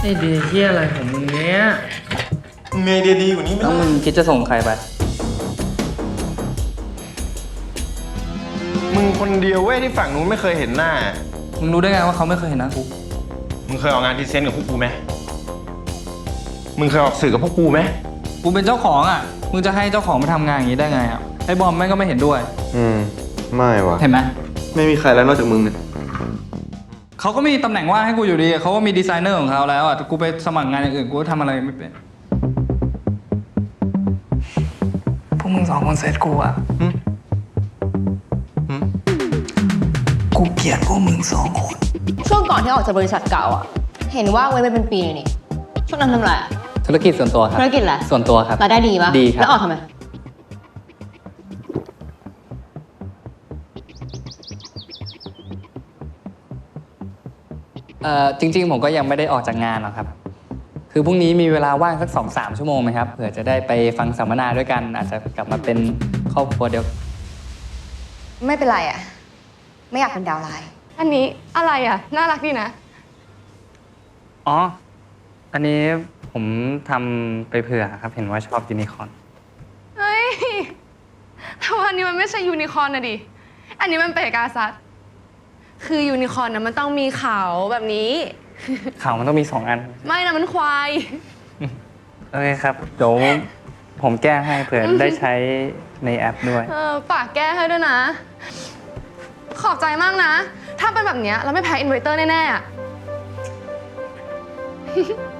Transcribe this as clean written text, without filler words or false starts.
ไอเดียเฮียอะไรของมึงเนี้ยมึงมีไอเดียดีกว่านี้ไหมแล้วมึงคิดจะส่งใครไปมึงคนเดียวเว้ยที่ฝั่งนู้นไม่เคยเห็นหน้ามึงรู้ได้ไงว่าเขาไม่เคยเห็นหน้ากูมึงเคยออกงานพรีเซนต์กับพวกกูไหมมึงเคยออกสื่อกับพวกกูไหมกูเป็นเจ้าของอ่ะ มึงจะให้เจ้าของมาทำงานอย่างนี้ได้ไงอ่ะ ไอ้บอมแม่งก็ไม่เห็นด้วยไม่วะเห็นไหมไม่มีใครแล้วนอกจากมึงเนี่ยเขาก็มีตำแหน่งว่างให้กูอยู่ดี เขาก็มีดีไซเนอร์ของเขาแล้วอ่ะ กูไปสมัครงานอย่างอื่นกูก็ทำอะไรไม่เป็น พวกมึงสองคนเซตกูอ่ะ กูเกลียดพวกมึงสองคนช่วงก่อนที่ออกจากบริษัทเก่าอ่ะ เห็นว่าเว้นไปเป็นปีเลยนี่ช่วงนั้นทำอะไรอะธุรกิจส่วนตัวครับธุรกิจอะไรส่วนตัวครับรายได้ดีปะดีครับแล้วออกทำไมจริงๆผมก็ยังไม่ได้ออกจากงานหรอกครับ คือพรุ่งนี้มีเวลาว่างสัก 2-3 ชั่วโมงไหมครับเผื่อจะได้ไปฟังสัมมนาด้วยกัน อาจจะกลับมาเป็นครอบครัวเดียวไม่เป็นไรอ่ะ ไม่อยากเป็นดาวไลน์อันนี้อะไรอ่ะ น่ารักดีนะอ๋อ อันนี้ผมทำไปเผื่อครับ เห็นว่าชอบยูนิคอร์นเฮ้ยแต่ว่าอันนี้มันไม่ใช่ยูนิคอร์นนะดิ อันนี้มันเปกาซัส คือยูนิคอร์นนะมันต้องมีเขาแบบนี้ข่าวมันต้องมี 2 อันไม่นะมันควายโอเคครับ เดี๋ยวผมแก้ให้เผื่อได้ใช้ในแอปด้วยฝากแก้ให้ด้วยนะ ขอบใจมากนะ ถ้าเป็นแบบเนี้ยเราไม่แพ้อินเวอร์เตอร์แน่ๆอะ